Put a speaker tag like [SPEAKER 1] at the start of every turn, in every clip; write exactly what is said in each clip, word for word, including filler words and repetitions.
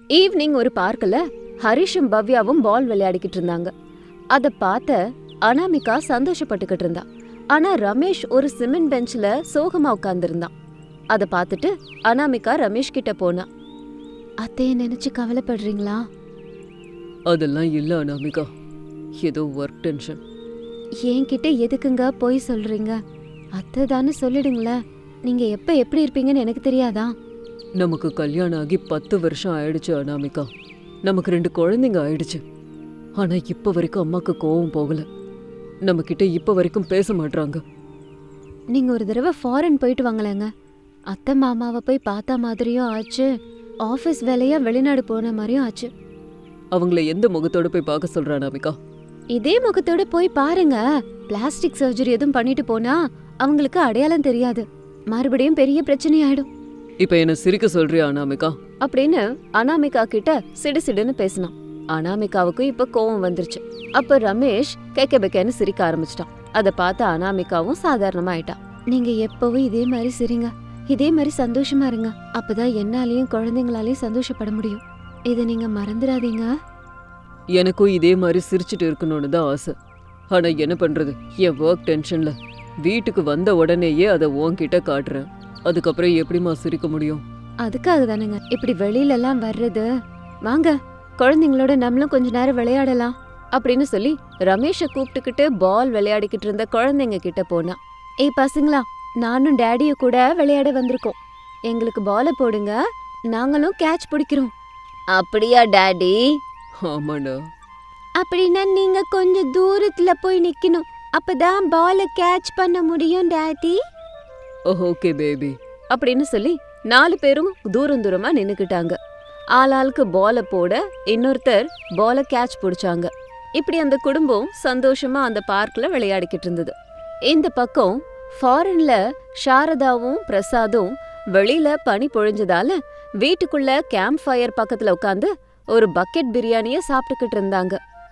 [SPEAKER 1] Evening ஒரு பார்க்ல ஹரிஷும் பவ்யாவும் பால் விளையாடிக்கிட்டு இருந்தாங்க. அத பார்த்த அனாமிகா சந்தோஷப்பட்டுக்கிட்டு இருந்தா. ஆனா ரமேஷ் ஒரு சிமெண்ட் பெஞ்ச்ல சோகமா உட்கார்ந்திருந்தான். அத பார்த்துட்டு அனாமிகா ரமேஷ் கிட்ட போனா. அத்தைய நினைச்சு கவலைப்படுறீங்களா?
[SPEAKER 2] அதெல்லாம் இல்ல அனாமிகா, ஏதோ ஒர்க் டென்ஷன்.
[SPEAKER 1] என்கிட்ட எதுக்குங்க போய் சொல்றீங்க? அத்தை தானே சொல்லிடுங்களேன். நீங்க எப்ப எப்படி இருப்பீங்கன்னு எனக்கு தெரியாதா?
[SPEAKER 2] நமக்கு கல்யாணம் ஆகி பத்து வருஷம் ஆயிடுச்சு அனாமிகா. நமக்கு ரெண்டு குழந்தைங்க ஆயிடுச்சு. ஆனா இப்ப வரைக்கும் அம்மாக்கு கோவம் போகல. நம்ம கிட்ட இப்ப வரைக்கும் பேச மாட்டாங்க.
[SPEAKER 1] நீங்க ஒரு தடவை ஃபாரின் போயிட்டு வாங்களேங்க. அத்தை மாமாவை போய் பார்த்த மாதிரியும் ஆச்சு, ஆபீஸ் வேலையா வெளிநாடு போன மாதிரியும் ஆச்சு.
[SPEAKER 2] அவங்கள எந்த முகத்தோட போய் பார்க்க சொல்ற அனாமிகா?
[SPEAKER 1] இதே முகத்தோட போய் பாருங்க. பிளாஸ்டிக் சர்ஜரி எதுவும் பண்ணிட்டு போனா அவங்களுக்கு அடையாளம் தெரியாது, மறுபடியும் பெரிய பிரச்சனை ஆயிடும்.
[SPEAKER 2] இப்ப என்ன சிரிக்க சொல்றியா அனாமிகா?
[SPEAKER 1] அப்படின்னு அனாமிகா கிட்ட சிடு சிடுன்னு பேசினான். அனாமிகாவுக்கு இப்ப கோவம் வந்துருச்சு. அப்ப ரமேஷ் கேக்க பெக்கன்னு சிரிக்க ஆரம்பிச்சிட்டான். அத பார்த்து அனாமிகாவும் சாதாரணமா ஆயிட்டான். நீங்க எப்பவும் இதே மாதிரி சிரிங்க, இதே மாதிரி சந்தோஷமா இருங்க. அப்பதான் என்னாலையும் குழந்தைங்களாலையும் சந்தோஷப்பட முடியும். இத நீங்க மறந்துடாதீங்க.
[SPEAKER 2] எனக்கும் இதே மாதிரி சிரிச்சுட்டு இருக்கணும்னு தான் ஆசை. ஆனா என்ன பண்றது, என் ஒர்க் டென்ஷன்ல வீட்டுக்கு வந்த உடனேயே அதை உன்கிட்ட காட்டுறேன். அதுக்கப்புறம் எப்படிமா சிரிக்க முடியும்?
[SPEAKER 1] அதுக்காக தானுங்க இப்படி வெளியில எல்லாம் வர்றது. வாங்க குழந்தைங்களோட நம்மளும் கொஞ்ச நேரம் விளையாடலாம் அப்படின்னு சொல்லி ரமேஷ கூப்பிட்டுக்கிட்டு பால் விளையாடிக்கிட்டு இருந்த குழந்தைங்க கிட்ட போனா. ஏய் பசங்களா, நானும் டேடிய கூட விளையாட வந்திருக்கோம். எங்களுக்கு பால போடுங்க, நாங்களும் கேட்ச் பிடிக்கிறோம். அப்படியா டாடி?
[SPEAKER 2] ஆமாடா.
[SPEAKER 1] அப்படின்னா நீங்க கொஞ்சம் தூரத்துல போய் நிக்கணும், அப்பதான் பால கேட்ச் பண்ண முடியும் டாடி.
[SPEAKER 2] ஓகே பேபி
[SPEAKER 1] அப்படின்னு சொல்லி நாலு பேரும் தூரம் தூரமா நின்னுக்கிட்டாங்க. ஆளாளுக்கு பால போட இன்னொருத்தர் பால கேட்ச் பிடிச்சாங்க. இப்படி அந்த குடும்பம் சந்தோஷமா அந்த பார்க்ல விளையாடிக்கிட்டு இருந்தது. இந்த பக்கம் ஃபாரின்ல சாரதாவும் பிரசாதும் வெளியில பனி பொழிஞ்சதால வீட்டுக்குள்ள கேம்ப் ஃபயர் பக்கத்துல உட்காந்து ஒரு பக்கெட் பிரியாணிய சாப்பிட்டுக்கிட்டு இருந்தாங்க.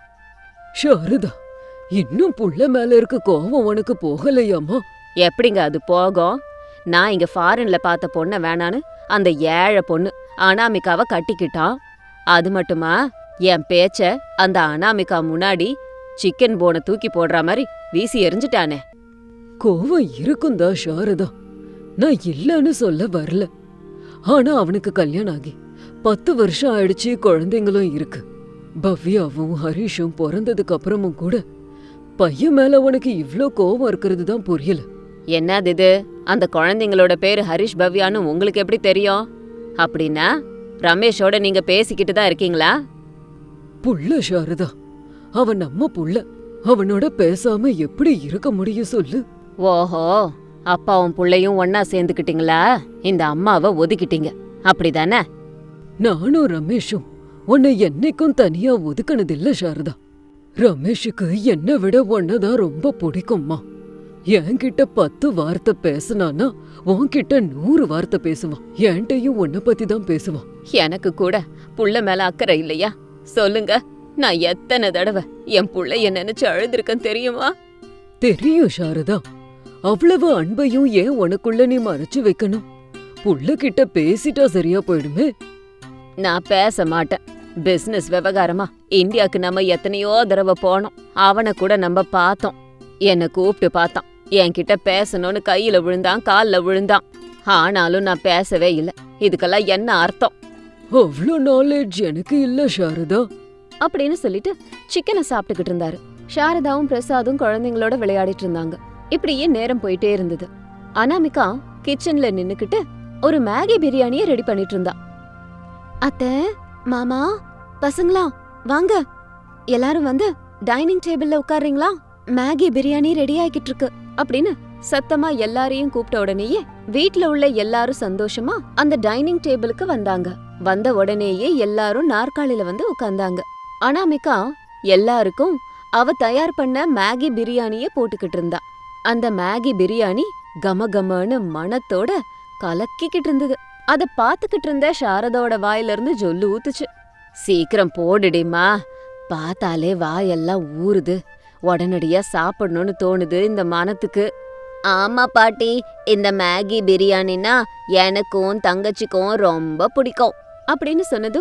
[SPEAKER 2] சாரதா, இன்னும் புள்ள மேல இருக்க கோவம் உனக்கு போகலையாமா?
[SPEAKER 1] எப்படிங்க அது போகும்? நான் இங்க ஃபாரின்ல பார்த்த பொண்ண வேணான்னு அந்த ஏழை பொண்ணு அனாமிகாவை கட்டிக்கிட்டான். அது மட்டுமா, என் பேச்ச அந்த அனாமிகா முன்னாடி சிக்கன் போனை தூக்கி போடுற மாதிரி வீசி எரிஞ்சிட்டானே.
[SPEAKER 2] கோவம் இருக்குந்தா சாரதா, நான் இல்லன்னு சொல்ல வரல. ஆனா அவனுக்கு கல்யாணம் ஆகி பத்து வருஷம் ஆயிடுச்சு, குழந்தைங்களும் இருக்கு. பவ்யாவும் ஹரிஷும் பிறந்ததுக்கு அப்புறமும் கூட பையன் மேல உனக்கு இவ்ளோ கோவம் இருக்கிறது தான் புரியல.
[SPEAKER 1] என்னது இது? அந்த குழந்தைங்களோட பேரு ஹரிஷ் பவ்யான்னு உங்களுக்கு எப்படி தெரியும்? அப்படின்னா ரமேஷோட நீங்க பேசிக்கிட்டு தான் இருக்கீங்களா?
[SPEAKER 2] புள்ள சாரதா, அவன் நம்ம புள்ள. அவனோட பேசாம எப்படி இருக்க முடியும் சொல்லு?
[SPEAKER 1] ஓஹோ, அப்பாவும் புள்ளையும் ஒன்னா சேர்ந்துக்கிட்டீங்களா? இந்த அம்மாவை ஒதுக்கிட்டீங்க அப்படிதானே?
[SPEAKER 2] நானும் ரமேஷும் உன்னை என்னைக்கும் தனியா ஒதுக்கினதில்ல சாரதா. ரமேஷுக்கு என்னை விட உன்னதான் ரொம்ப பிடிக்கும்மா. என்கிட்ட பத்து வார்த்தை பேசினானா உன்கிட்ட நூறு வார்த்தை பேசுவான். என்கிட்டயும் உன்னை பத்தி தான் பேசுவான்.
[SPEAKER 1] எனக்கு கூட புள்ள மேல அக்கறை இல்லையா? சொல்லுங்க, நான் எத்தனை தடவை என் புள்ளைய நினைச்சு அழுதுருக்கேன் தெரியுமா?
[SPEAKER 2] தெரியும் சாரதா. அவ்வளவு அன்பையும் ஏன் உனக்குள்ள நீ மறைச்சு வைக்கணும்? புள்ள கிட்ட பேசிட்டா சரியா போயிடுமே.
[SPEAKER 1] நான் பேச மாட்டேன். பிசினஸ் விவகாரமா இந்தியாக்கு நம்ம எத்தனையோ தடவை போனோம். அவனை கூட நம்ம பார்த்தோம். என்னை கூப்பிட்டு பார்த்தான், என்கிட்ட பேசணும்னு கையில விழுந்தான், கால்ல விழுந்தான். ஆனாலும் நான் பேசவே இல்லை. இதுக்கெல்லாம் என்ன அர்த்தம்?
[SPEAKER 2] அவ்வளோ நாலேஜ் எனக்கு இல்ல சாரதா
[SPEAKER 1] அப்படின்னு சொல்லிட்டு சிக்கனை சாப்பிட்டுக்கிட்டு இருந்தாரு. சாரதாவும் பிரசாதும் குழந்தைங்களோட விளையாடிட்டு இருந்தாங்க. இப்படியே நேரம் போயிட்டே இருந்தது. அனாமிகா கிச்சன்ல நின்னுக்கிட்டு ஒரு மேகி பிரியாணிய ரெடி பண்ணிட்டு இருந்தா. அத்தை, மாமா, பசங்களா வாங்க, எல்லாரும் வந்து டைனிங் டேபிள்ல உட்கார்றீங்களா? மேகி பிரியாணி ரெடி ஆகிட்டு இருக்கு அப்படின்னு சத்தமா எல்லாரையும் கூப்பிட்ட உடனேயே வீட்ல உள்ள எல்லாரும் சந்தோஷமா அந்த டைனிங் டேபிளுக்கு வந்தாங்க. வந்த உடனேயே எல்லாரும் நாற்காலில வந்து உட்கார்ந்தாங்க. அனாமிகா எல்லாருக்கும் அவ தயார் பண்ண மேகி பிரியாணிய போட்டுக்கிட்டு இருந்தா. அந்த மேகி பிரியாணி கம கமன்னு மணத்தோட கலக்கிக்கிட்டு இருந்தது. அத பாத்துக்கிட்டு இருந்த சாரதோட வாயில இருந்து ஜொல்லு ஊத்துச்சு. சீக்கிரம் போடுடிமா, பார்த்தாலே வாயெல்லாம் ஊறுது, உடனடியா சாப்பிடணும்னு தோணுது இந்த மனத்துக்கு. ஆமா பாட்டி, இந்த மேகி பிரியாணினா எனக்கும் தங்கச்சிக்கும் ரொம்ப பிடிக்கும் அப்படின்னு சொன்னதும்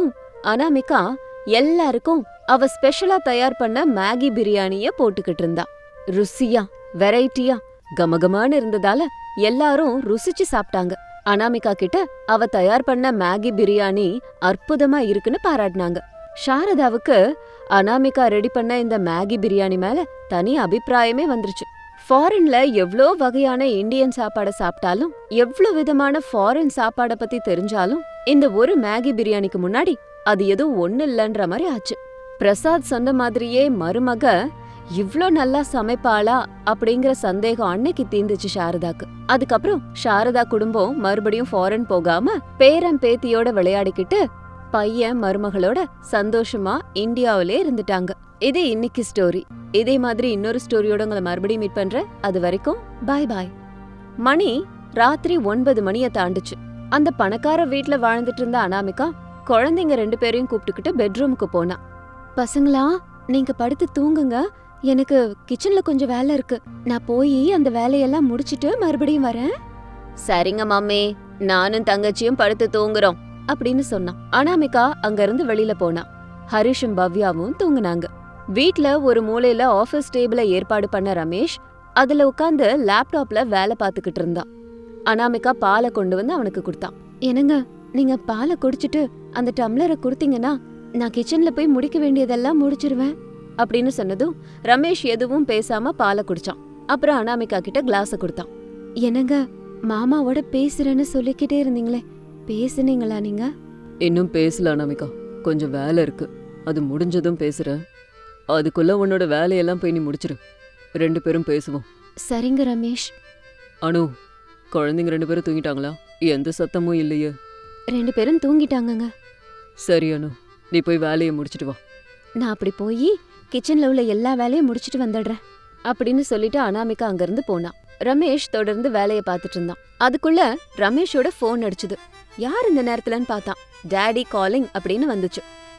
[SPEAKER 1] அனாமிகா எல்லாருக்கும் அவ ஸ்பெஷலா தயார் பண்ண மேகி பிரியாணிய போட்டுக்கிட்டு இருந்தா. ருசியா வெரைட்டியா கமகமான்னு இருந்ததால எல்லாரும் ருசிச்சு சாப்பிட்டாங்க. அனாமிகா கிட்ட அவ தயார் பண்ண மேகி பிரியாணி அற்புதமா இருக்குன்னு பாராட்டினாங்க. சாரதாவுக்கு அனாமிகா ரெடி பண்ண இந்த மேகி பிரியாணி மேல தனி அபிப்பிராயமே வந்துருச்சு. ஃபாரின்ல எவ்ளோ வகையான இந்தியன் சாப்பாட சாப்பிட்டாலும், எவ்ளோ விதமான ஃபாரின் சாப்பாட பத்தி தெரிஞ்சாலும், இந்த ஒரு மேகி பிரியாணிக்கு முன்னாடி அது எதுவும் ஒண்ணு இல்லன்ற மாதிரி ஆச்சு. பிரசாத் சொன்ன மாதிரியே மருமக இவ்ளோ நல்லா சமைப்பாளா அப்படிங்கிற சந்தேகம் அன்னைக்கு தீந்துச்சு சாரதாக்கு. அதுக்கப்புறம் சாரதா குடும்பம் மறுபடியும் ஃபாரின் போகாம பேரன் பேத்தியோட விளையாடிக்கிட்டு பையன் மருமகளோட சந்தோஷமா இந்தியாவிலே இருந்துட்டாங்க. இது இன்னைக்கு ஸ்டோரி. இதே மாதிரி இன்னொரு ஸ்டோரியோட உங்களை மறுபடியும் மீட் பண்றேன். அது வரைக்கும் பாய் பாய். மணி ராத்திரி ஒன்பது மணிய தாண்டுச்சு. அந்த பணக்கார வீட்ல வாழ்ந்துட்டு இருந்த அனாமிகா குழந்தைங்க ரெண்டு பேரையும் கூப்பிட்டுக்கிட்டு பெட்ரூமுக்கு போனா. பசங்களா, நீங்க படுத்து தூங்குங்க, எனக்கு கிச்சன்ல கொஞ்சம் வேலை இருக்கு, நான் போய் அந்த வேலையெல்லாம் முடிச்சிட்டு மறுபடியும் வரேன். சரிங்க மம்மி, நானும் தங்கச்சியும் படுத்து தூங்குறோம் அப்படின்னு சொன்னான். அனாமிகா அங்க இருந்து வெளியில போனா. ஹரிஷும் பவ்யாவும் தூங்குனாங்க. வீட்ல ஒரு மூலையில ஆபீஸ் டேபிள ஏற்பாடு பண்ண ரமேஷ் அதுல உட்கார்ந்து லேப்டாப்ல வேலை பார்த்துக்கிட்டு இருந்தான். அனாமிகா பாலை கொண்டு வந்து அவனுக்கு கொடுத்தான். என்னங்க, நீங்க பாலை குடிச்சிட்டு அந்த டம்ளரை கொடுத்தீங்கன்னா நான் கிச்சன்ல போய் முடிக்க வேண்டியதெல்லாம் முடிச்சிருவேன் அப்படின்னு சொன்னதும் ரமேஷ் எதுவும் பேசாம பாலை குடிச்சான். அப்புறம் அனாமிகா கிட்ட கிளாஸ கொடுத்தான். என்னங்க, மாமாவோட பேசுறேன்னு சொல்லிக்கிட்டே இருந்தீங்களே, பேசுனீங்களா நீங்க?
[SPEAKER 2] இன்னும் பேசல அனாமிகா, கொஞ்சம் வேலை இருக்கு, அது முடிஞ்சதும் பேசுறேன். அதுக்குள்ள உன்னோட வேலையெல்லாம் போய் நீ முடிச்சிரு, ரெண்டு பேரும் பேசுவோம்.
[SPEAKER 1] சரிங்க ரமேஷ்.
[SPEAKER 2] அனு, குழந்தைங்க ரெண்டு பேரும் தூங்கிட்டாங்களா? எந்த சத்தமும் இல்லையே.
[SPEAKER 1] ரெண்டு பேரும் தூங்கிட்டாங்கங்க.
[SPEAKER 2] சரி அனு, நீ போய் வேலையை முடிச்சிட்டு வா.
[SPEAKER 1] நான் அப்படி போய் கிச்சன்ல உள்ள எல்லா வேலையும் முடிச்சிட்டு வந்துடுறேன் அப்படின்னு சொல்லிட்டு அனாமிகா அங்கிருந்து போனா. ரமேஷ் தொடர்ந்து வேலையை பார்த்துட்டு இருந்தான். அதுக்குள்ள ரமேஷோட போன் அடிச்சுது. யார் இந்த நேரத்துலன்னு பார்த்தான். டாடி காலிங் அப்படின்னு வந்துச்சு.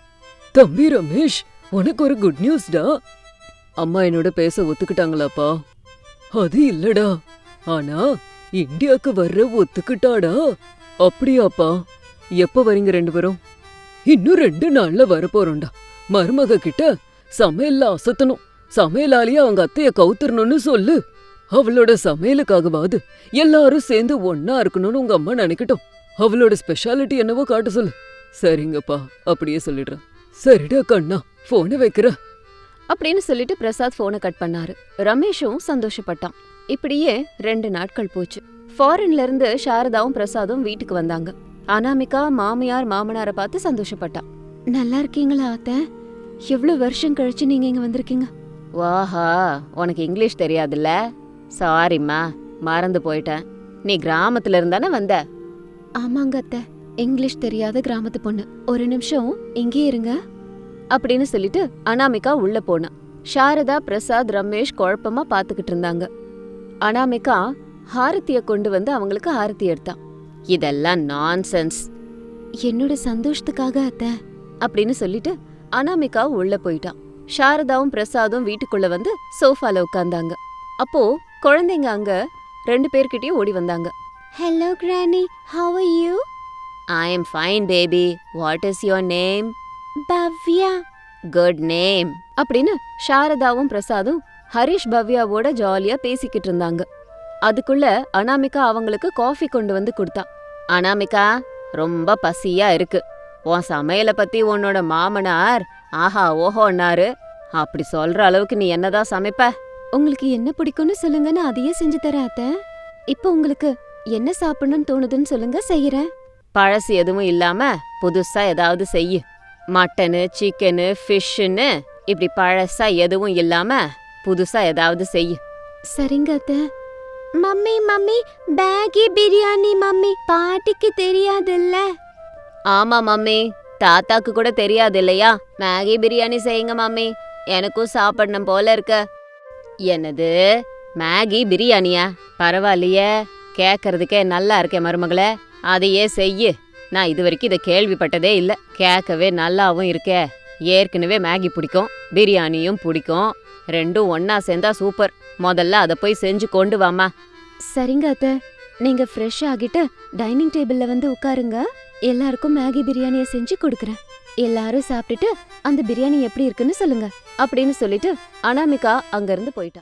[SPEAKER 2] தம்பி ரமேஷ், உனக்கு ஒரு குட் நியூஸ்டா. அம்மா என்னோட பேச ஒத்துக்கிட்டாங்களாப்பா? அது இல்லடா, ஆனா இந்தியாக்கு வர்ற ஒத்துக்கிட்டாடா. அப்படியாப்பா? எப்ப வரீங்க ரெண்டு பேரும்? இன்னும் ரெண்டு நாள்ல வரப்போறோம்டா. மருமக கிட்ட சமையல்ல அசத்தணும், சமையலாலேயே அவங்க அத்தைய கவுத்துறணும்னு சொல்லு. அவளோட சமையலுக்காகவாது எல்லாரும் சேர்ந்து ஒன்னா இருக்கணும்னு உங்க அம்மா நினைக்கட்டும். அவளோட ஸ்பெஷாலிட்டி என்னவோ காட்ட சொல்லு. சரிங்கப்பா, அப்படியே சொல்லிடுறேன். சரிடா கண்ணா, போனை வைக்கிற
[SPEAKER 1] அப்படின்னு சொல்லிட்டு பிரசாத் போனை கட் பண்ணாரு. ரமேஷும் சந்தோஷப்பட்டான். இப்படியே ரெண்டு நாட்கள் போச்சு. ஃபாரின்ல இருந்து சாரதாவும் பிரசாதும் வீட்டுக்கு வந்தாங்க. அனாமிகா மாமியார் மாமனார பார்த்து சந்தோஷப்பட்டான். நல்லா இருக்கீங்களா அத்தை? எவ்வளவு வருஷம் கழிச்சு நீங்க இங்க வந்திருக்கீங்க. வாஹா, உனக்கு இங்கிலீஷ் தெரியாதுல்ல? சாரிம்மா, மறந்து போயிட்டேன். நீ கிராமத்துல இருந்தானே வந்த? ஆமாங்க அத்தை, இங்கிலீஷ் தெரியாத கிராமத்து பொண்ணு. ஒரு நிமிஷம் இங்கே இருங்க அப்படின்னு சொல்லிட்டு அனாமிகா உள்ள போனா. சாரதா பிரசாத் ரமேஷ் குழப்பமா பாத்துக்கிட்டு இருந்தாங்க. அனாமிகா ஹாரத்திய கொண்டு வந்து அவங்களுக்கு ஆரத்தி எடுத்தான். இதெல்லாம் நான்சென்ஸ். என்னோட சந்தோஷத்துக்காக அத்தை அப்படின்னு சொல்லிட்டு அனாமிகா உள்ள போயிட்டான். சாரதாவும் பிரசாதும் வீட்டுக்குள்ள வந்து சோஃபால உட்கார்ந்தாங்க. அப்போ குழந்தைங்க அங்க ரெண்டு பேர்கிட்டயும் ஓடி வந்தாங்க. Hello granny, how are you? I am fine baby. What is your name? Bhavya. Good name அப்படின்னு சாரதாவும் பிரசாதும் ஹரிஷ் பவ்யாவோட ஜாலியா பேசிக்கிட்டு இருந்தாங்க. அதுக்குள்ள அனாமிகா அவங்களுக்கு காஃபி கொண்டு வந்து கொடுத்தா. அனாமிகா, ரொம்ப பசியா இருக்கு. உன் சமையல பத்தி உன்னோட மாமனார் ஆஹா ஓஹோன்னாரு. அப்படி சொல்ற அளவுக்கு நீ என்னதான் சமைப்ப? உங்களுக்கு என்ன பிடிக்கும்னு சொல்லுங்க, நான் அதையே செஞ்சு தரேன் அத்தை. இப்போ உங்களுக்கு என்ன சாப்பிடணும்னு தோணுதுன்னு சொல்லுங்க, செய்யறேன். பழசு எதுவும் இல்லாம புதுசா ஏதாவது செய்யு. மட்டனு, சிக்கனு, ஃபிஷ்ஷுன்னு இப்படி பழசா எதுவும் இல்லாம புதுசா ஏதாவது செய்யு. சரிங்க அத்தை. Mummy mummy, Maggi biryani mummy, பாட்டிக்கு தெரியாதுல்ல? ஆமா மம்மி, தாத்தாக்கு கூட தெரியாது இல்லையா? மேகி பிரியாணி செய்யுங்க மம்மி, எனக்கும் சாப்பிடணும் போல இருக்க. என்னது மேகி பிரியாணியா? பரவாயில்லையே, கேட்கறதுக்கே நல்லா இருக்கே மருமகளே, அதையே செய்யு. நான் இது வரைக்கும் இதை கேள்விப்பட்டதே இல்லை. கேட்கவே நல்லாவும் இருக்கே. ஏற்கனவே மேகி பிடிக்கும், பிரியாணியும் பிடிக்கும், ரெண்டும் ஒன்னா சேர்ந்தா சூப்பர். முதல்ல அதை போய் செஞ்சு கொண்டு வாமா. சரிங்க அத்தை, நீங்க ஃப்ரெஷ் ஆகிட்டு டைனிங் டேபிள்ல வந்து உட்காருங்க, எல்லாருக்கும் மேகி பிரியாணியை செஞ்சு கொடுக்குறேன். எல்லாரும் சாப்பிட்டுட்டு அந்த பிரியாணி எப்படி இருக்குன்னு சொல்லுங்க அப்படின்னு சொல்லிட்டு அனாமிகா அங்கிருந்து போயிட்டா.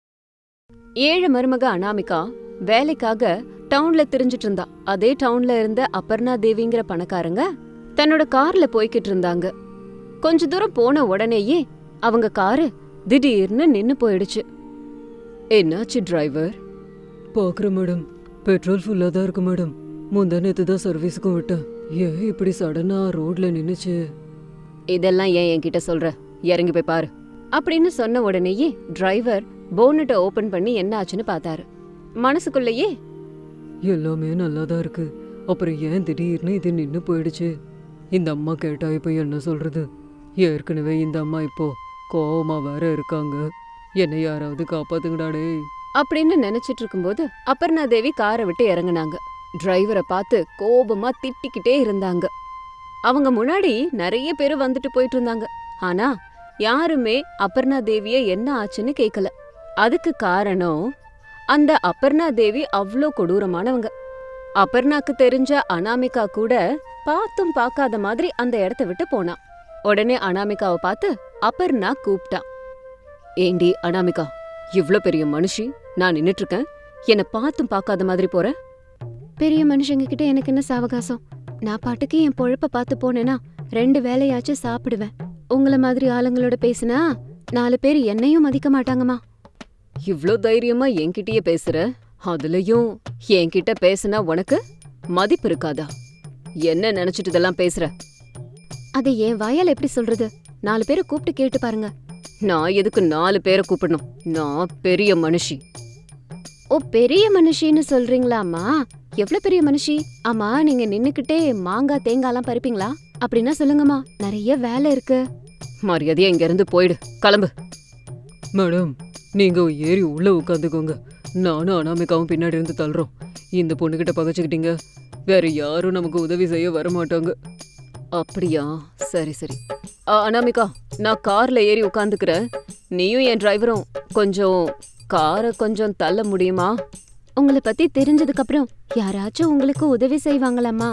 [SPEAKER 1] ஏழு மருமக அனாமிகா வேலைக்காக டவுன்ல திரிஞ்சிட்டு இருந்தா. அதே டவுன்ல இருந்த அபர்ணா தேவிங்கிற பணக்காரங்க தன்னோட கார்ல போய்கிட்டு இருந்தாங்க. கொஞ்ச தூரம் போன உடனேயே அவங்க காரு திடீர்னு நின்னு போயிடுச்சு.
[SPEAKER 2] என்னாச்சு டிரைவர்? பாக்குறேன் மேடம், பெட்ரோல் ஃபுல்லா தான் இருக்கு மேடம். முந்தா நேத்து தான் சர்வீஸுக்கும் விட்டேன். ஏன் இப்படி சடனா ரோட்ல நின்னுச்சு?
[SPEAKER 1] இதெல்லாம் ஏன் என்கிட்ட சொல்ற, இறங்கி போய் பாரு அப்படின்னு சொன்ன உடனேயே டிரைவர் போனட்டை ஓபன் பண்ணி என்ன ஆச்சுன்னு பார்த்தாரு. மனசுக்குள்ளேயே
[SPEAKER 2] எல்லாமே நல்லா தான் இருக்கு, அப்புறம் ஏன் திடீர்னு இது நின்னு போயிடுச்சு? இந்த அம்மா கேட்டா இப்ப என்ன சொல்றது? ஏற்கனவே இந்த அம்மா இப்போ கோவமா வேற இருக்காங்க. என்னை யாராவது காப்பாத்துங்கடாடே
[SPEAKER 1] அப்படின்னு நினைச்சிட்டு இருக்கும்போது அபர்ணா தேவி காரை விட்டு இறங்குனாங்க. டிரைவரை பார்த்து கோபமா திட்டிக்கிட்டே இருந்தாங்க. அவங்க முன்னாடி நிறைய பேர் வந்துட்டு போயிட்டு இருந்தாங்க. ஆனா யாருமே அபர்ணா தேவிய என்ன ஆச்சுன்னு கேக்கல. அதுக்கு காரணம் அந்த அபர்ணா தேவி அவ்ளோ கொடூரமானவங்க. அபர்ணாக்கு தெரிஞ்ச அனாமிகா கூட பார்த்தும் பார்க்காத மாதிரி அந்த இடத்த விட்டு போனா. உடனே அனாமிகாவை பார்த்து அபர்ணா கூப்பிட்டா. ஏண்டி அனாமிகா, இவ்ளோ பெரிய மனுஷி, நான் நின்னுட்டு இருக்கேன், என்ன பார்த்தும் பார்க்காத மாதிரி போற? பெரிய மனுஷங்க கிட்ட எனக்கு என்ன சாவகாசம்? நான் பாட்டுக்கு என் பொழப்ப பார்த்து போனேனா ரெண்டு வேலையாச்சும் சாப்பிடுவேன். உங்கள மாதிரி ஆளுங்களோட பேசினா நாலு பேர் என்னையும் மதிக்க மாட்டாங்கம்மா. இவ்ளோ தைரியமா என்கிட்டயே பேசுற, அதுலயும் என்கிட்ட பேசுனா உனக்கு மதிப்பு இருக்காதா? என்ன நினைச்சிட்டு இதெல்லாம் பேசுற? அதை என் வாயால எப்படி சொல்றது? நாலு பேரை கூப்பிட்டு கேட்டு பாருங்க. நான் எதுக்கு நாலு பேரை கூப்பிடணும்? நான் பெரிய மனுஷி. ஓ, பெரிய மனுஷின்னு சொல்றீங்களாமா? எவ்வளவு பெரிய மனுஷி? ஆமா, நீங்க நின்னுக்கிட்டே மாங்காய் தேங்காய்லாம் பறிப்பீங்களா? அப்படின்னா சொல்லுங்கம்மா, நிறைய வேலை இருக்கு. மரியாதையா இங்க இருந்து போயிடு, கிளம்பு.
[SPEAKER 2] மேடம், நீங்க ஏறி உள்ள உட்காந்துக்கோங்க, நானும் அனாமிகாவும் பின்னாடி இருந்து தள்ளுறோம். இந்த பொண்ணுகிட்ட பகச்சுக்கிட்டீங்க, வேற யாரும் நமக்கு உதவி செய்ய வரமாட்டாங்க.
[SPEAKER 1] அப்படியா? சரி சரி. அ, அனாமிகா, நான் கார்ல ஏறி உட்காந்துக்கிறேன். நீயும் என் டிரைவரும் கொஞ்சம் காரை கொஞ்சம் தள்ள முடியுமா? உங்களை பத்தி தெரிஞ்சதுக்கு அப்புறம் யாராச்சும் உங்களுக்கு உதவி செய்வாங்களாம்மா?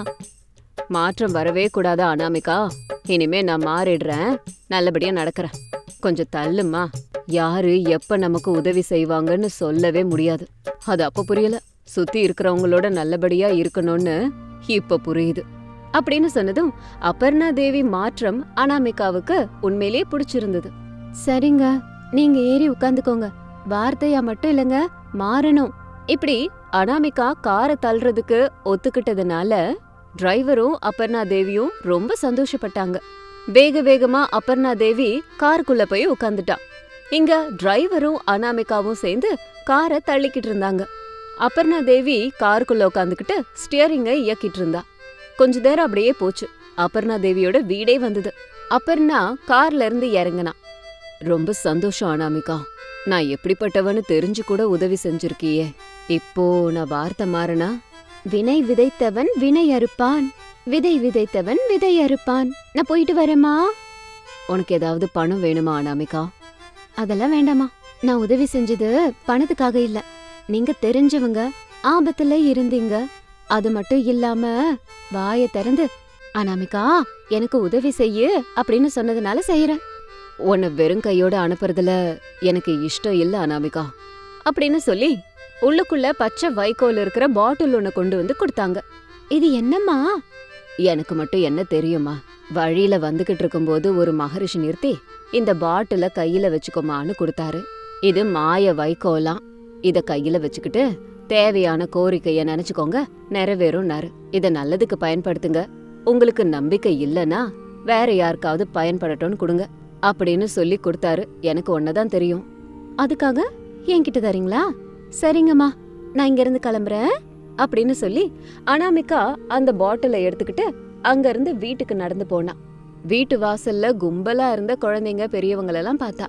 [SPEAKER 1] மாற்றம் வரவே கூடாதா அனாமிகா? இனிமே நான் மாறிடுறேன், நல்லபடியா நடக்கிறேன். கொஞ்சம் தள்ளுமா. யாரு எப்ப நமக்கு உதவி செய்வாங்கன்னு சொல்லவே முடியாது. அது அப்ப புரியல, சுத்தி இருக்கிறவங்களோட நல்லபடியா இருக்கணும்னு இப்ப புரியுது அப்படின்னு சொன்னதும் அபர்ணா தேவி மாற்றம் அனாமிகாவுக்கு உண்மையிலேயே பிடிச்சிருந்தது. சரிங்க, நீங்க ஏறி உட்காந்துக்கோங்க, வார்த்தையா மட்டும் இல்லங்க, மாறணும். இப்படி அனாமிகா காரை தள்ளுறதுக்கு ஒத்துக்கிட்டதுனால டிரைவரும் அபர்ணா தேவியும் ரொம்ப சந்தோஷப்பட்டாங்க. வேக வேகமா அபர்ணா தேவி காருக்குள்ள போய் உட்காந்துட்டா. இங்க டிரைவரும் அனாமிகாவும் சேர்ந்து காரை தள்ளிக்கிட்டு இருந்தாங்க. அபர்ணா தேவி காருக்குள்ள உட்காந்துக்கிட்டு ஸ்டியரிங்கை இயக்கிட்டு இருந்தா. கொஞ்ச நேரம் அப்படியே போச்சு. அபர்ணா தேவியோட வீடே வந்தது. அபர்ணா கார்ல இருந்து இறங்குனா. ரொம்ப சந்தோஷம் அனாமிகா, நான் எப்படிப்பட்டவன்னு தெரிஞ்சு கூட உதவி செஞ்சிருக்கியே. இப்போ நான் வார்த்தை மாறனா? வினை விதைத்தவன் வினை அறுப்பான், விதை விதைத்தவன் விதை அறுப்பான். நான் போயிட்டு வரேம்மா. உனக்கு ஏதாவது பணம் வேணுமா அனாமிகா? அதெல்லாம் வேண்டாமா, நான் உதவி செஞ்சது பணத்துக்காக இல்ல. நீங்க தெரிஞ்சவங்க, ஆபத்துல இருந்தீங்க, அது மட்டும் இல்லாம வாய திறந்து அனாமிகா எனக்கு உதவி செய்யு அப்படின்னு சொன்னதுனால செய்யறேன். உன்னை வெறும் கையோட அனுப்புறதுல எனக்கு இஷ்டம் இல்ல அனாமிகா அப்படின்னு சொல்லி உள்ளுக்குள்ள பச்சை வைக்கோல் இருக்கிற பாட்டில் ஒண்ணு கொண்டு வந்து கொடுத்தாங்க. இது என்னம்மா? எனக்கு மட்டும் என்ன தெரியுமா? வழியில வந்துகிட்டு இருக்கும்போது ஒரு மகரிஷி நிறுத்தி இந்த பாட்டில கையில வச்சுக்கோமான்னு கொடுத்தாரு. இது மாய வைக்கோலாம், இத கையில வச்சுக்கிட்டு தேவையான கோரிக்கைய நினைச்சுக்கோங்க, நிறைவேறும்னாரு. இத நல்லதுக்கு பயன்படுத்துங்க, உங்களுக்கு நம்பிக்கை இல்லனா வேற யாருக்காவது பயன்படட்டும்னு கொடுங்க அப்படின்னு சொல்லி கொடுத்தாரு. எனக்கு ஒன்னதான் தெரியும், அதுக்காக என்கிட்ட தரீங்களா? சரிங்கம்மா, நான் இங்க இருந்து கிளம்புறேன் அப்படின்னு சொல்லி அனாமிகா அந்த பாட்டிலை எடுத்துக்கிட்டு அங்க இருந்து வீட்டுக்கு நடந்து போனா. வீட்டு வாசல்ல கும்பலா இருந்த குழந்தைங்க பெரியவங்களெல்லாம் பார்த்தா.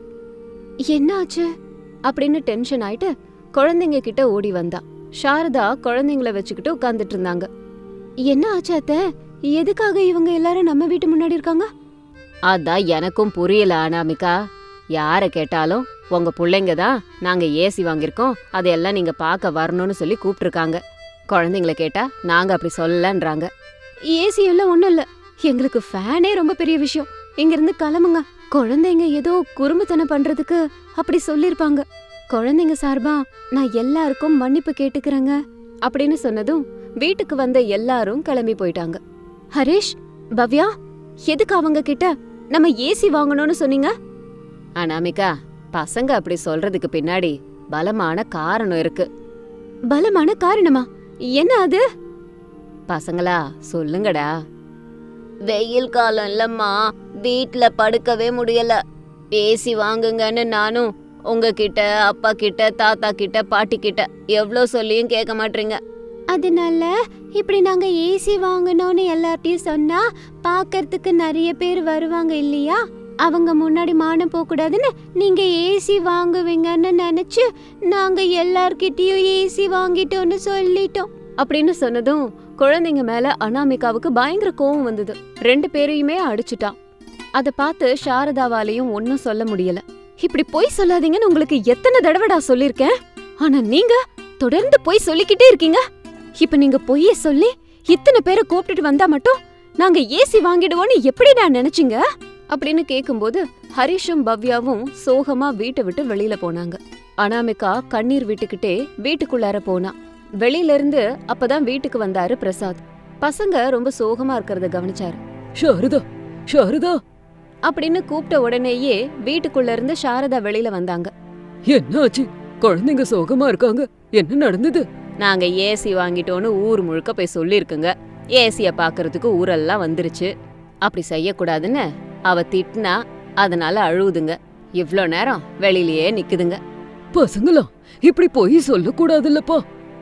[SPEAKER 1] என்ன ஆச்சு அப்படின்னு டென்ஷன் ஆயிட்டு குழந்தைங்க கிட்ட ஓடி வந்தா. சாரதா குழந்தைங்கள வச்சுக்கிட்டு உட்கார்ந்துட்டு இருந்தாங்க. என்ன ஆச்சு அத்தை? எதுக்காக இவங்க எல்லாரும் நம்ம வீட்டு முன்னாடி இருக்காங்க? அதான் எனக்கும் புரியல அனாமிகா. யார கேட்டாலும் உங்க பிள்ளைங்க தான் நாங்க ஏசி வாங்கியிருக்கோம், அதையெல்லாம் நீங்க பார்க்க வரணும்னு சொல்லி கூப்பிட்டுருக்காங்க. குழந்தைங்கள கேட்டா நாங்க அப்படி சொல்லலன்றாங்க. ஏசி எல்லாம் ஒண்ணும் இல்ல, எங்களுக்கு ஃபேனே ரொம்ப பெரிய விஷயம். இங்க இருந்து கிளம்புங்க. குழந்தைங்க ஏதோ குறும்புத்தனம் பண்றதுக்கு அப்படி சொல்லிருப்பாங்க. குழந்தைங்க சார்பா நான் எல்லாருக்கும் மன்னிப்பு கேட்டுக்கிறேங்க அப்படின்னு சொன்னதும் வீட்டுக்கு வந்த எல்லாரும் கிளம்பி போயிட்டாங்க. ஹரிஷ், பவ்யா, எதுக்கு அவங்க கிட்ட நம்ம ஏசி வாங்கணும்னு சொன்னீங்க? அனாமிகா, பசங்க அப்படி சொல்றதுக்கு பின்னாடி பலமான காரணம் இருக்கு. பலமான காரணமா? என்ன அது? பசங்களா சொல்லுங்கடா. வெயில் காலம் இல்லம்மா, வீட்ல படுக்கவே முடியல. ஏசி வாங்குங்கன்னு நானும் உங்ககிட்ட, அப்பா கிட்ட, தாத்தா கிட்ட, பாட்டி கிட்ட எவ்ளோ சொல்லியும் கேட்க மாட்டீங்க. அதனால இப்படி நாங்க ஏசி வாங்கணும்னு எல்லார்ட்டையும் சொன்னா பாக்கறதுக்கு நிறைய பேர் வருவாங்க இல்லையா? அவங்க முன்னாடி மானம் போக கூடாதுன்னு நீங்க ஏசி வாங்குவீங்கன்னு நினைச்சு நாங்க எல்லார்கிட்டயும் ஏசி வாங்கிட்டோம்னு சொல்லிட்டோம் அப்படின்னு சொன்னதும் குழந்தைங்க மேல அனாமிகாவுக்கு பயங்கர கோவம் வந்தது. ரெண்டு பேரையுமே அடிச்சுட்டான். அத பார்த்து சாரதாவாலையும் ஒன்னும் சொல்ல முடியல. இப்படி பொய் சொல்லாதீங்கன்னு உங்களுக்கு எத்தனை தடவைடா சொல்லிருக்கேன். ஆனா நீங்க தொடர்ந்து பொய் சொல்லிக்கிட்டே இருக்கீங்க. இப்ப நீங்க பொய்ய சொல்லி இத்தனை பேரை கூப்பிட்டுட்டு வந்தா மட்டும் நாங்க ஏசி வாங்கிடுவோன்னு எப்படிடா நினைச்சீங்க அப்படின்னு கேக்கும்போது ஹரிஷும் பவ்யாவும் சோகமா வீட்டை விட்டு வெளியில போனாங்க. அனாமிகா கண்ணீர் விட்டுக்கிட்டே வீட்டுக்குள்ளார போனா. வெளியில இருந்து அப்பதான் வீட்டுக்கு வந்தாரு பிரசாத். பசங்க ரொம்ப சோகமா இருக்கறத கவனிச்சாரு.
[SPEAKER 2] சாரதா, சாரதா
[SPEAKER 1] அப்படின்னு கூப்பிட்ட உடனேயே வீட்டுக்குள்ள இருந்து சாரதா வெளியில வந்தாங்க.
[SPEAKER 2] என்னாச்சு? குழந்தைங்க சோகமா இருக்காங்க. என்ன நடந்தது?
[SPEAKER 1] நாங்க ஏசி வாங்கிட்டோன்னு ஊர் முழுக்க போய் சொல்லிருக்குங்க. ஏசிய பாக்குறதுக்கு ஊரெல்லாம் வந்துருச்சு. அப்படி செய்யக்கூடாதுன்னு அவ திட்டினா, அதனால அழுவுதுங்க. இவ்ளோ நேரம் வெளியிலயே நிக்குதுங்க.
[SPEAKER 2] பசங்களா, இப்படி போய் சொல்லக்கூடாதுல்லப்பா.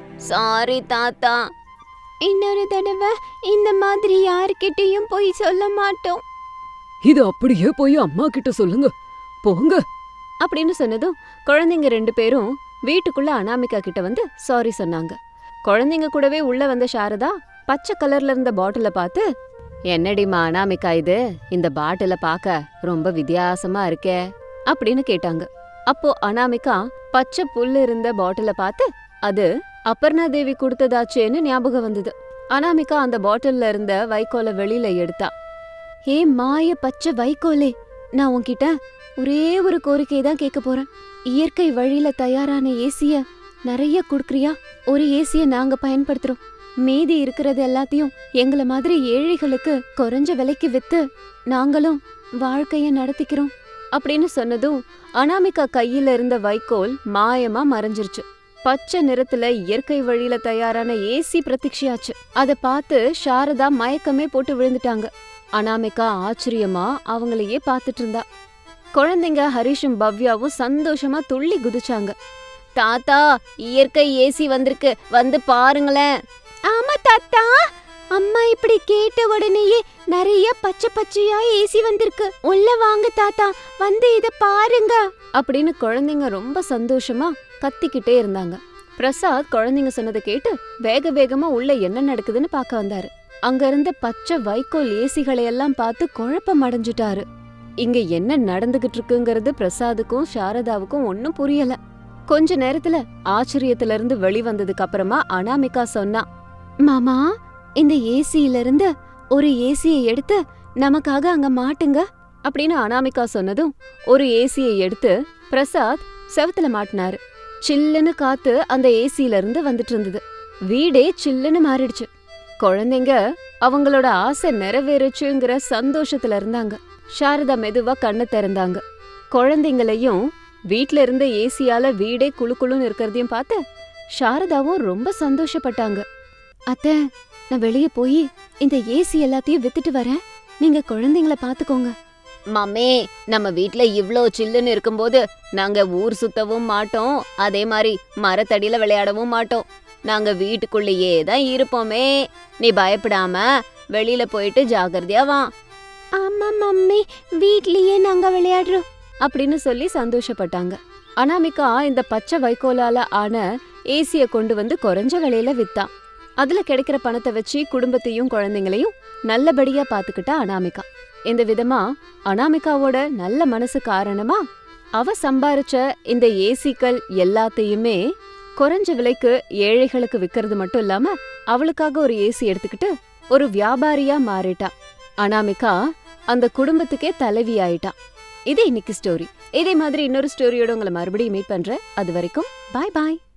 [SPEAKER 1] சாரி தாத்தா, இன்னொரு தடவை இந்த மாதிரி யார்கிட்டயும் போய் சொல்ல மாட்டோம்.
[SPEAKER 2] இது அப்படியே போய் அம்மா கிட்ட சொல்லுங்க, போங்க
[SPEAKER 1] அப்படின்னு சொன்னதும் குழந்தைங்க ரெண்டு பேரும் வீட்டுக்குள்ள அனாமிகா கிட்ட வந்து சாரி சொன்னாங்க. குழந்தைங்க கூடவே உள்ள வந்த சாரதா பச்சை கலர்ல இருந்த பாட்டில பார்த்து, என்னடிமா அனாமிகா இது, இந்த பாட்டில பார்க்க ரொம்ப வித்தியாசமா இருக்கே அப்படின்னு கேட்டாங்க. அப்போ அனாமிகா பச்சை புல்லு இருந்த பாட்டில பார்த்து, அது அபர்ணா தேவி கொடுத்ததாச்சேன்னு ஞாபகம் வந்தது. அனாமிகா அந்த பாட்டில்ல இருந்த வைக்கோலை வெளியில எடுத்தா. ஏ மாய பச்சை வைக்கோலே, நான் உன்கிட்ட ஒரே ஒரு கோரிக்கை தான் கேட்க போறேன். இயற்கை வழியில தயாரான ஏசிய நிறைய குடுக்குறியா? ஒரு ஏசிய நாங்க பயன்படுத்துறோம். மீதி இருக்கிறது எல்லாத்தையும் எங்கள மாதிரி ஏழைகளுக்கு குறைஞ்ச விலைக்கு வித்து நாங்களும் வாழ்க்கைய நடத்திக்கிறோம் அப்படின்னு சொன்னதும் அனாமிகா கையில இருந்த வைக்கோல் மாயமா மறைஞ்சிருச்சு. பச்சை நிறத்துல இயற்கை வழியில தயாரான ஏசி பிரத்யட்சியாச்சு. அத பார்த்து சாரதா மயக்கமே போட்டு விழுந்துட்டாங்க. அனாமிகா ஆச்சரியமா அவங்களையே பார்த்துட்டு இருந்தா. குழந்தைங்க ஹரிஷும் பவ்யாவும் சந்தோஷமா துள்ளி குதிச்சாங்க. தாத்தா, இயற்கை ஏசி வந்திருக்கு, வந்து பாருங்களேன். ஆமா தாத்தா, அம்மா இப்படி கேட்ட உடனேயே நிறைய பச்சை பச்சையா ஏசி வந்திருக்கு. உள்ள வாங்க தாத்தா, வந்து இத பாருங்க அப்படின்னு குழந்தைங்க ரொம்ப சந்தோஷமா கத்திக்கிட்டே இருந்தாங்க. பிரசாத் குழந்தைங்க சொன்னதை கேட்டு வேக வேகமா உள்ள என்ன நடக்குதுன்னு பார்க்க வந்தாரு. அங்க இருந்த பச்சை வைக்கோல் ஏசிகளை எல்லாம் பார்த்து குழப்பம் அடைஞ்சிட்டாரு. இங்க என்ன நடந்துகிட்டு இருக்குங்கிறது பிரசாதுக்கும் சாரதாவுக்கும் ஒன்னும் புரியல. கொஞ்ச நேரத்துல ஆச்சரியத்துல இருந்து வெளிவந்ததுக்கு அப்புறமா அனாமிகா சொன்னா, மாமா, இந்த ஏசியில இருந்து ஒரு ஏசியை எடுத்து நமக்காக அங்க மாட்டுங்க அப்படின்னு அனாமிகா சொன்னதும் ஒரு ஏசியை எடுத்து பிரசாத் செவத்துல மாட்டினாரு. சில்லுன்னு காத்து அந்த ஏசியில இருந்து வந்துட்டு இருந்தது. வீடே சில்லுன்னு மாறிடுச்சு. குழந்தைங்க அவங்களோட ஆசை நிறைவேறுச்சுங்கிற சந்தோஷத்துல இருந்தாங்க. சாரதா மெதுவா கண்ணை திறந்தாங்க. குழந்தைங்களையும் வீட்ல இருந்த ஏசியால வீடே குளு குளுன்னு இருக்கிறதையும் பார்த்து சாரதாவும் ரொம்ப சந்தோஷப்பட்டாங்க. அத்தை, நான் வெளியே போய் இந்த ஏசி எல்லாத்தையும் வித்துட்டு வரேன், நீங்க குழந்தைங்கள பாத்துக்கோங்க. மாமே, நம்ம வீட்ல இவ்ளோ சில்லுன்னு இருக்கும்போது நாங்க ஊர் சுத்தவும் மாட்டோம், அதே மாதிரி மரத்தடியில விளையாடவும் மாட்டோம். நாங்க வீட்டுக்குள்ளேயே தான் இருப்போமே. நீ பயப்படாம வெளியில போயிட்டு ஜாகிரதையா வா. ஆமா மம்மி, வீட்லயே நாங்க விளையாடுறோம் அப்படின்னு சொல்லி சந்தோஷப்பட்டாங்க. அனாமிகா இந்த பச்சை வைக்கோலால ஆன ஏசிய கொண்டு வந்து குறைஞ்ச விலையில வித்தா. அதுல கிடைக்கிற பணத்தை வச்சு குடும்பத்தையும் குழந்தைங்களையும் நல்லபடியா பாத்துக்கிட்டா அனாமிகா. இந்த விதமா அனாமிகாவோட நல்ல மனசு காரணமா அவ சம்பாரிச்ச இந்த ஏசிக்கள் எல்லாத்தையுமே குறைஞ்ச விலைக்கு ஏழைகளுக்கு விக்கிறது மட்டும் இல்லாம அவளுக்காக ஒரு ஏசி எடுத்துக்கிட்டு ஒரு வியாபாரியா மாறிட்டா. அனாமிகா அந்த குடும்பத்துக்கே தலைவி ஆயிட்டா. இது இன்னைக்கு ஸ்டோரி. இதே மாதிரி இன்னொரு ஸ்டோரியோட உங்களை மறுபடியும் மீட் பண்றேன். அது வரைக்கும் பாய் பாய்.